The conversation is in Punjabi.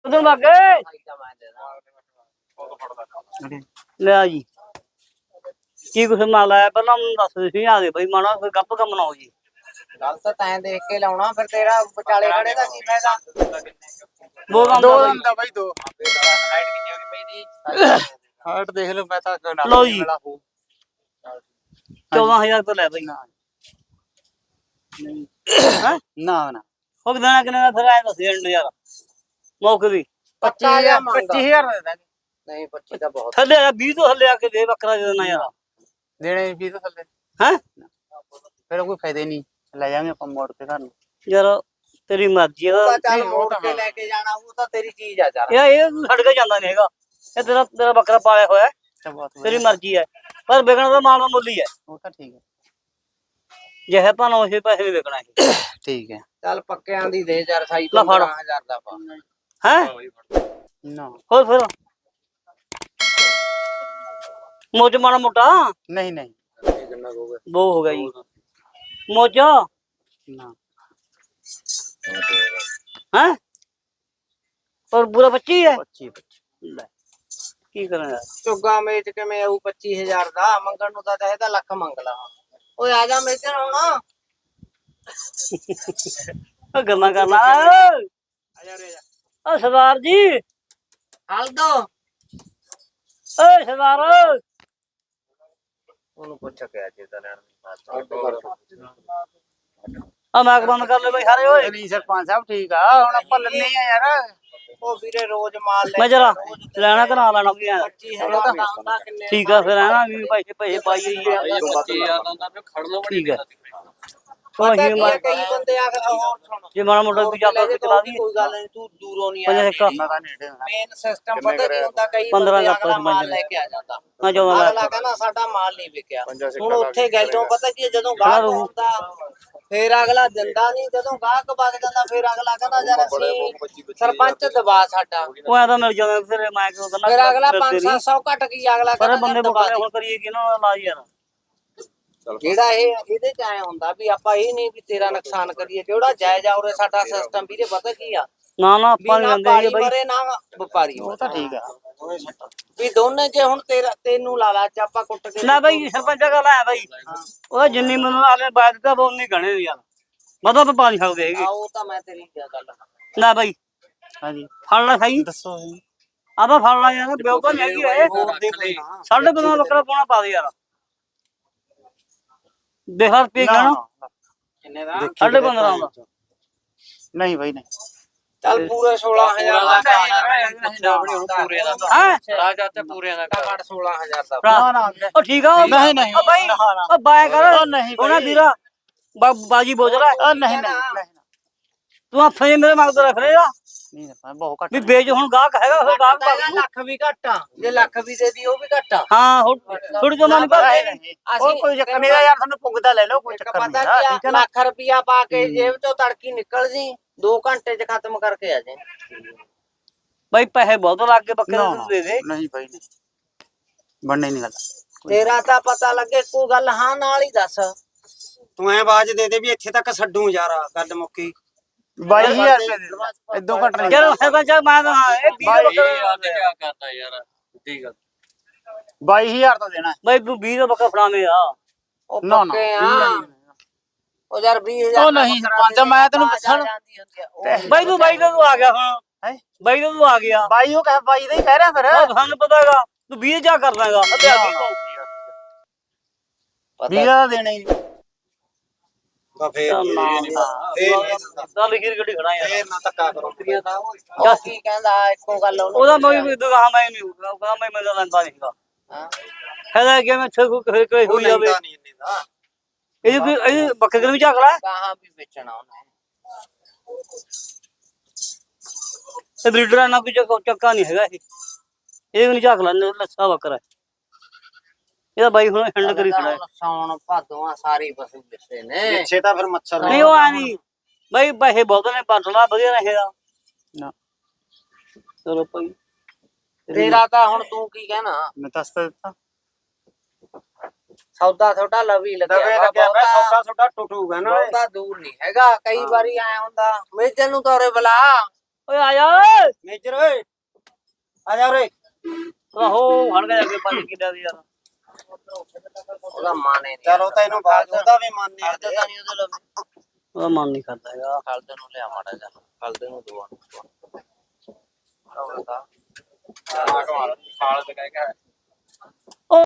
ਉਧਰ ਲੱਗ ਗਏ ਲੈ ਜੀ ਕੀ ਕੁਛ ਮਾਲ ਆਇਆ ਪਹਿਲਾਂ ਮੈਨੂੰ ਦੱਸ ਦੇ ਸੀ ਆ ਗਏ ਬਈ ਮਾਣਾ ਕੋਈ ਗੱਪ ਕੰਮ ਨਾ ਹੋ ਜੀ ਗੱਲ ਤਾਂ ਤੈਂ ਦੇਖ ਕੇ ਲਾਉਣਾ ਫਿਰ ਤੇਰਾ ਵਿਚਾਲੇ ਖੜੇ ਦਾ ਕੀ ਫਾਇਦਾ ਦੋ ਦਮ ਦਾ ਬਾਈ ਦੋ ਹਾਈਟ ਕਿੰਨੀ ਹੋ ਗਈ ਪਈ ਦੀ ਹਾਰਟ ਦੇਖ ਲਓ ਮੈਂ ਤਾਂ ਲਓ ਜੀ 14000 ਰੁਪਏ ਲੈ ਬਈ ਹਾਂ ਨਾ ਨਾ ਉਹ ਦੇਣਾ ਕਿੰਨੇ ਦਾ ਫਿਰ ਆਇਆ ਦੱਸ ਯਾਰ ਮੌਕੇ ਦੀ 25000 ਦੇ ਦਾਂਗੇ ਨਹੀਂ 25 ਤਾਂ ਬਹੁਤ ਥੱਲੇ ਆ 20 ਤੋਂ ਥੱਲੇ ਆ ਕੇ ਦੇ ਬੱਕਰਾ ਦੇ ਦੇਣਾ ਯਾਰ ਦੇਣੇ ਵੀ ਤਾਂ ਥੱਲੇ ਹੈ ਫਿਰ ਕੋਈ ਫਾਇਦਾ ਨਹੀਂ ਲੈ ਜਾਵਾਂਗੇ ਆਪਾਂ ਮੋੜ ਕੇ ਘਰ ਨੂੰ ਯਾਰ ਤੇਰੀ ਮਰਜ਼ੀ ਆ ਤਾਂ ਚੱਲ ਮੋੜ ਕੇ ਲੈ ਕੇ ਜਾਣਾ ਉਹ ਤਾਂ ਤੇਰੀ ਚੀਜ਼ ਆ ਚੱਲ ਇਹ ਛੱਡ ਕੇ ਜਾਂਦਾ ਨਹੀਂ ਹੈਗਾ ਇਹ ਤੇਰਾ ਬੱਕਰਾ ਪਾਲਿਆ ਹੋਇਆ ਹੈ, ਤੇਰੀ ਮਰਜ਼ੀ ਹੈ ਪਰ ਵਿਕਣਾ ਤਾਂ ਮਾਲ ਦਾ ਮੁੱਲ ਹੀ ਹੈ ਉਹ ਤਾਂ ਠੀਕ ਹੈ ਜਿਹੇ ਭਾਵੇਂ ਉਸੇ ਪੈਸੇ ਵੀ ਵਿਕਣਾ ਹੈ ਠੀਕ ਹੈ ਚੱਲ ਪੱਕਿਆਂ ਦੀ ਦੇ ਯਾਰ ਸਾਈ ਲੈ ਫੜ। 15000 ਦਾ ਪਾ ਹੈ ਨਾ ਹੋਰ ਫਿਰ ਮੋਚ ਮਾੜਾ ਮੋਟਾ ਨਹੀਂ ਨਹੀਂ ਉਹ ਹੋ ਗਿਆ ਜੀ ਮੋਚਾ ਨਾ ਹੈ ਪਰ ਪੂਰਾ 25 ਹੈ 25 ਲੈ ਕੀ ਕਰਾਂ ਯਾਰ ਚੁੱਗਾ ਮੇਚ ਕਿਵੇਂ ਆਊ 25000 ਦਾ ਮੰਗਣ ਨੂੰ ਤਾਂ ਚਾਹੀਦਾ ਲੱਖ ਮੰਗ ਲਾ ਓਏ ਆ ਜਾ ਮੇਚਣ ਹੁਣ ਉਹ ਗੱਲਾਂ ਕਰਨਾ ਓ ਸਰਦਾਰ ਜੀ ਹਲ ਦੋ ਓਏ ਸਰਦਾਰ ਉਹਨੂੰ ਪੁੱਛ ਕੇ ਅੱਜ ਦਾ ਲੈਣ ਆ ਮੈਕ ਬੰਦ ਕਰ ਲੈ ਬਈ ਸਾਰੇ ਓਏ ਨਹੀਂ ਸਰਪੰਚ ਸਾਹਿਬ ਠੀਕ ਆ ਹੁਣ ਆਪਾਂ ਲੈਣੇ ਆ ਯਾਰ ਉਹ ਵੀਰੇ ਰੋਜ਼ ਮਾਲ ਲੈ ਮੈਂ ਜਰਾ ਲੈਣਾ ਕਰਾ ਲੈਣਾ ਕੀ ਆ 25000 ਦਾ ਹੁੰਦਾ ਕਿੰਨੇ ਠੀਕ ਆ ਫਿਰ ਹੈ ਨਾ ਵੀ ਪੈਸੇ ਪਾਈਏ ਹੀ ਆ। 25000 ਦਾ ਹੁੰਦਾ ਖੜਨਾ ਠੀਕ ਹੈ ਪਤਾ ਉਹ ਕੀ ਹੀ ਆ, ਕਈ ਬੰਦੇ ਆ ਕੇ ਹੋਰ ਸੁਣ ਜੇ ਮਾੜਾ ਮੋਟਾ ਵੀ ਚੱਲ ਕੇ ਚਲਾ ਦੀ ਕੋਈ ਗੱਲ ਨਹੀਂ ਤੂੰ ਦੂਰੋਂ ਨਹੀਂ ਪੰਜਾਹ ਆਇਆ ਇੱਕ ਮੈਂ ਤਾਂ ਨੇੜੇ ਹੋਣਾ ਮੇਨ ਸਿਸਟਮ ਪਤਾ ਕੀ ਹੁੰਦਾ ਕਈ 15 ਬੰਦੇ ਦਾ ਅਗਲਾ ਪੰਜ ਮਾਲ ਲੈ ਕੇ ਆ ਜਾਂਦਾ ਮੈਂ ਚਾਹੁੰਦਾ ਅਗਲਾ ਕਹਿੰਦਾ ਸਾਡਾ ਮਾਲ ਨਹੀਂ ਵਿਕਿਆ ਹੁਣ ਉੱਥੇ ਗੈਲੋਂ ਪਤਾ ਕੀ ਹੈ, ਜਦੋਂ ਗਾਹਕ ਹੁੰਦਾ ਫੇਰ ਅਗਲਾ ਦਿੰਦਾ ਨਹੀਂ ਜਦੋਂ ਗਾਹਕ ਵਗ ਜਾਂਦਾ ਫੇਰ ਅਗਲਾ ਕਹਿੰਦਾ ਯਾਰ ਅਸੀਂ ਸਰਪੰਚ ਦਬਾ ਸਾਡਾ ਉਹ ਐ ਤਾਂ ਮਿਲ ਜਾਂਦਾ ਫਿਰ ਮੈਂ ਕਿਉਂ ਕਰਨਾ ਫਿਰ ਅਗਲਾ 500 ਘਟ ਕੀ ਅਗਲਾ ਪਰ ਕਹਿੰਦਾ ਬੰਦੇ ਦਬਾ ਬੁੱਕਣੇ ਹੁਣ ਕਰੀਏ ਕਿ ਨਾ ਲਾਜ ਯਾਰ ਜਿਹੜਾ ਇਹ ਇਹਦੇ ਚ ਐ ਹੁੰਦਾ ਵੀ ਆਪਾਂ ਇਹ ਨਹੀਂ ਵੀ ਤੇਰਾ ਨੁਕਸਾਨ ਕਰੀਏ ਜਿਹੜਾ ਜਾਇਜ਼ ਆ ਉਰੇ ਸਾਡਾ ਸਿਸਟਮ ਵੀਰੇ ਪਤਾ ਕੀ ਆ ਨਾ ਨਾ ਵੀ ਆਪਾਂ ਨਹੀਂ ਨਾ ਲੈਂਦੇ ਪਾਲੀ ਜੀ ਬਈ ਮਰੇ ਨਾ ਵਪਾਰੀ ਉਹ ਤਾਂ ਠੀਕ ਆ ਵੀ ਦੋਨੇ ਜੇ ਹੁਣ ਤੈਨੂੰ ਲਾ ਲਾ ਚ ਆਪਾਂ ਕੁੱਟ ਕੇ ਨਾ ਬਈ ਸਰਪੰਚ ਗੱਲ ਆ ਬਈ ਉਹ ਜਿੰਨੀ ਮੈਨੂੰ ਆਲੇ ਬਾਤ ਦਾ ਉਹ ਨਹੀਂ ਗਣੇ ਯਾਰ ਮਤਲਬ ਪਾ ਨਹੀਂ ਸਕਦੇ ਹੈਗੇ ਉਹ ਤਾਂ ਮੈਂ ਤੇਰੀ ਗੱਲ ਨਾ ਬਈ ਹਾਂਜੀ ਫੜ ਲੈ ਸਹੀ ਦੱਸੋ ਆਪਾਂ ਫੜ ਲਾ ਯਾਰ ਬਿਓ ਤਾਂ ਨਹੀਂ ਹੈਗੀ ਇਹ ਸਾਡੇ ਕੋਲ ਬੱਕਰਾ ਪਾਉਣਾ ਪਾ ਦੇ ਯਾਰ ਦੇਹਰ ਪੀ ਗਿਆ ਨਾ ਕਿੰਨੇ ਦਾ ਸਾਡੇ 15 ਦਾ ਨਹੀਂ ਬਾਈ ਨਹੀਂ ਚੱਲ ਪੂਰੇ 16000 ਦਾ ਪੂਰੇ ਦਾ ਹੈ ਰਾਜਾ ਤੇ ਪੂਰੇ ਦਾ ਘੱਟ 16000 ਦਾ ਨਾ ਨਾ ਉਹ ਠੀਕ ਆ ਨਹੀਂ, ਨਹੀਂ। ਉਹ ਬਾਈ ਉਹ ਬਾਏ ਕਰ ਉਹ ਨਹੀਂ ਬਾਈ। ਉਹਨਾਂ ਵੀਰਾ ਬਾਜੀ ਬੋਝ ਰਿਹਾ ਉਹ ਨਹੀਂ ਨਹੀਂ ਤੂੰ ਹੱਥਾਂ 'ਚ ਮੇਰੇ ਮਗਦ ਰੱਖ ਰਿਹਾ ਨਹੀਂ ਨਹੀਂ ਬਹੁਤ ਘੱਟ ਵੀ ਵੇਚ ਹੁਣ ਗਾਹਕ ਹੈਗਾ ਫਿਰ ਗਾਹਕ ਪਾ ਦੂ। ਲੱਖ ਵੀ ਘੱਟ ਆ ਜੇ ਲੱਖ ਵੀ ਦੇ ਦੀ ਉਹ ਵੀ ਘੱਟ ਆ ਹਾਂ ਹੁਣ ਥੋੜੀ ਜਮਾ ਨਹੀਂ ਨਹੀਂ, ਭਰਦੇ ਨਹੀਂ। ਉਹ ਕੋਈ ਚੱਕਰ ਨਹੀਂ ਯਾਰ ਤੁਹਾਨੂੰ ਪੁੱਗਦਾ ਲੈ ਲਓ ਕੋਈ ਚੱਕਰ ਪਤਾ ਨਹੀਂ ਕੀ ਠੀਕ ਆ ਹੈ ਨਾ ਲੱਖ ਰੁਪਿਆ ਪਾ ਕੇ ਜੇਬ ਚੋਂ ਤੜਕੀ ਨਿਕਲ ਜੀ 2 ਘੰਟੇ ਚ ਖਤਮ ਕਰਕੇ ਆ ਜਾਏ ਬਾਈ ਪੈਸੇ ਬਹੁਤ ਲੱਗ ਗਏ ਬੱਕਰੇ ਨਾ, ਨੂੰ ਦੇ ਦੇ ਨਹੀਂ ਬਾਈ ਨਹੀਂ ਬਣਨੇ ਨਹੀਂ ਗੱਲ ਤੇਰਾ ਤਾਂ ਪਤਾ ਲੱਗੇ ਕੋਈ ਗੱਲ ਹਾਂ ਨਾਲ ਹੀ ਦੱਸ ਤੂੰ ਐ ਆਵਾਜ਼ ਦੇ ਦੇ ਵੀ ਇੱਥੇ ਤੱਕ ਛੱਡੂ ਯਾਰ ਗੱਲ ਮੁੱਕੀ 22000 ਰੁਪਏ ਦੇ ਦਿਓ। ਇਦੋਂ ਘੱਟ ਨਹੀਂ ਚਲੋ ਸਰਪੰਚ ਮੈਂ ਤਾਂ ਹਾਂ ਇਹ 20 ਬੱਕਰੇ ਕਰਦਾ ਯਾਰ ਠੀਕ ਆ 22000 ਤਾਂ ਦੇਣਾ ਬਾਈ ਤੂੰ 20 ਦਾ ਬੱਕਰਾ ਫੜਾਵੇਂ ਆ ਉਹ ਨਾ, ਨਾ, ਪੱਕੇ ਆ ਨਹੀਂ, ਉਹ ਯਾਰ 20000 ਉਹ ਨਹੀਂ ਸਰਪੰਚ ਮੈਂ ਤੈਨੂੰ ਪੁੱਛਣ ਬਾਈ ਤੂੰ ਆ ਗਿਆ ਹੁਣ ਹੈ ਬਾਈ ਤੂੰ ਆ ਗਿਆ ਬਾਈ ਉਹ ਕਹੇ ਬਾਈ ਦਾ ਹੀ ਕਹਿ ਰਿਹਾ ਫਿਰ ਉਹ ਸਾਨੂੰ ਪਤਾ ਹੈਗਾ ਤੂੰ 20 ਜਾ ਕਰ ਦਾਂਗਾ ਅੱਧੇ ਅੱਧੇ ਤੋਂ 20 ਦਾ ਦੇਣਾ ਹੀ ਨਹੀਂ। ਬਾ ਫੇਰ ਤਾਂ ਲਿਖੀ ਗੱਡੀ ਖੜਾ ਯਾਰ ਫੇਰ ਨਾ ਧੱਕਾ ਕਰੋ ਉਹ ਕੀ ਕਹਿੰਦਾ ਇੱਕੋ ਗੱਲ ਉਹਦਾ ਮੈਂ ਦੁਕਾਨ ਮੈਂ ਨਹੀਂ ਉਹਦਾ ਮੈਂ ਮਿਲਦਾ ਲੈਂਦਾ ਨਹੀਂਗਾ ਹਾਂ ਹੈਦਾ ਕਿ ਮੈਂ ਛੇ ਕੋਈ ਉਹ ਹੋਈ ਜਾਵੇ ਲੈਂਦਾ ਨਹੀਂ ਇੰਨੇ ਦਾ ਇਹ ਬੱਕਰੇ ਨੂੰ ਵੀ ਝਾਕ ਲੈ ਕਹਾਂ ਵੀ ਵੇਚਣਾ ਉਹਨੇ ਇਹ ਬਰੀਡਰ ਨਾਲ ਕੋਈ ਚੱਕਾ ਨਹੀਂ ਹੈਗਾ ਇਹ ਵੀ ਨਹੀਂ ਝਾਕ ਲੈਂਦੇ ਲੱਛਾ ਬੱਕਰਾ ਇਹਦਾ ਬਾਈ ਹੁਣ ਹੈਂਡ ਕਰੀ ਖੜਾ ਹੈ ਸੌਣ ਭਾਦੋਆਂ ਸਾਰੀ ਪਸ਼ੂ ਦਿੱਤੇ ਨੇ ਪਿੱਛੇ ਤਾਂ ਫਿਰ ਮੱਛਰ ਨਹੀਂ ਉਹ ਆ ਨਹੀਂ ਬਾਈ ਪੈਸੇ ਬਹੁਤ ਨੇ ਪਟਲਾ ਵਧੀਆ ਰਹੇਗਾ ਨਾ ਚਲੋ ਭਾਈ ਤੇਰਾ ਤਾਂ ਹੁਣ ਤੂੰ ਕੀ ਕਹਿਣਾ ਮੈਂ ਦੱਸ ਤਾਂ ਦਿੱਤਾ ਸੌਦਾ ਥੋੜਾ ਲਵੀ ਦਵੇ ਲੱਗਿਆ ਲੱਗਿਆ ਮੈਂ ਸੌਦਾ ਸੁੱਡਾ ਟੁੱਟੂਗਾ ਨਾ ਬਹੁਤਾ ਦੂਰ ਨਹੀਂ ਹੈਗਾ ਕਈ ਵਾਰੀ ਆਇਆ ਹੁੰਦਾ ਮੇਜਨ ਨੂੰ ਤੋਰੇ ਬੁਲਾ ਓਏ ਆ ਜਾ ਓਏ ਮੇਜਰ ਓਏ ਆ ਜਾ ਉਰੇ। ਆਹੋ ਹੜ ਗਿਆ ਅੱਗੇ 5 ਕਿੱਲਿਆਂ ਦੀ ਯਾਰ ਉਹਦਾ ਮਨ ਹੀ ਨਹੀਂ ਚਲੋ ਤੈਨੂੰ ਬਾਜ ਉਹਦਾ ਵੀ ਮਨ ਨਹੀਂ ਹਲਦ ਤਾਂ ਨਹੀਂ ਉਹਦੇ ਲਵੇ ਉਹਦਾ ਮਨ ਨਹੀਂ ਕਰਦਾ ਹੈਗਾ ਹਲਦ ਨੂੰ ਲਿਆ ਮਾੜਾ ਜਾ ਹਲਦ ਨੂੰ ਦਵਾ ਖਾਲ ਤੇ ਕਹਿ